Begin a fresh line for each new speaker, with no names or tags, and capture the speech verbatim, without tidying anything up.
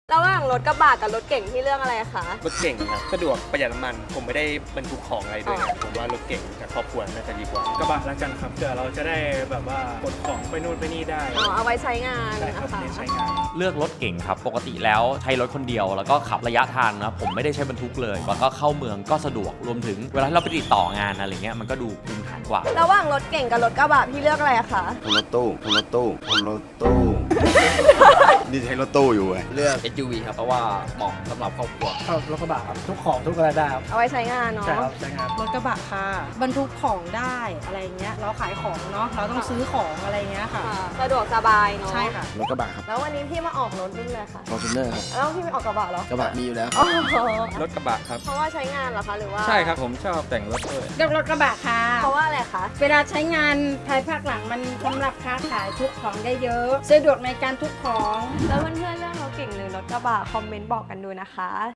ระหว่างรถกระบะกับรถเก่งที่เรื่องอะไรคะ
รถเก่งครับสะดวกประหยัดน้ำมันผมไม่ได้บรรทุกของอะไรด้วยนะผมว่ารถเก่งกับครอบครัวน่าจะดีกว่าก
ระบะแล้วกันครับเผื่อเราจะได้แบบว่ากดของไปนู่นไปนี่ได้
อ๋อเอาไว้ใช้งาน
ใช่
นะ
ครับ
คะ
เน้นใช้งาน
เลือกรถเก่งครับปกติแล้วใช้รถคนเดียวแล้วก็ขับระยะทางนะผมไม่ได้ใช้บรรทุกเลยแล้วก็เข้าเมืองก็สะดวกรวมถึงเวลาที่เราไปติดต่องานอะไรเงี้ยมันก็ดูภูมิฐานกว่า
ระหว่างรถเก่งกับรถกระบะพี่เลือกอะไรคะ
ผมรถตู้ผมรถตู้ผมรถตู้ นี่ใช้รถตู้อยู่ไง
เลือก เอส ยู วี ครับเพราะว่าเหมาะสำหรับครอบครัว
ชอบรถกระบะครับทุกของทุกอะไรได้ครับ
เอาไว้ใช้งานเนาะ
ใช่ครับใช้งาน
รถกระบะค่ะบรรทุกของได้อะไรเงี้ยเราขายของเนาะเราต้องซื้อของอะไรเงี้ยค่ะ
ค่ะสะดวกสบายเนาะ
ใช่ค่ะ
รถกระบะครับ
แล้ววันนี้พี่มาออกรถรุ่นเลยค่ะ
ฟอร์จูเนอร์ครับ
แล้วพี่ไม่ออกกระบะเหรอก
ระบะมีอยู่แล้ว
อ๋อ
รถกระบะครับ
เพราะว่าใช้งานเหรอคะหรือว่า
ใช่ครับผมชอบแต่งรถด้วย
เลือกรถกระบะค่ะ
เพราะว่าอะไรคะ
เวลาใช้งานภายภาคหลังมันสำหรับค้าขายทุกของได้เยอะสะดวกในการทุกของ
แล้วเพื่อนๆเรื่องรถเก่งหรือรถกระบะคอมเมนต์บอกกันดูนะคะ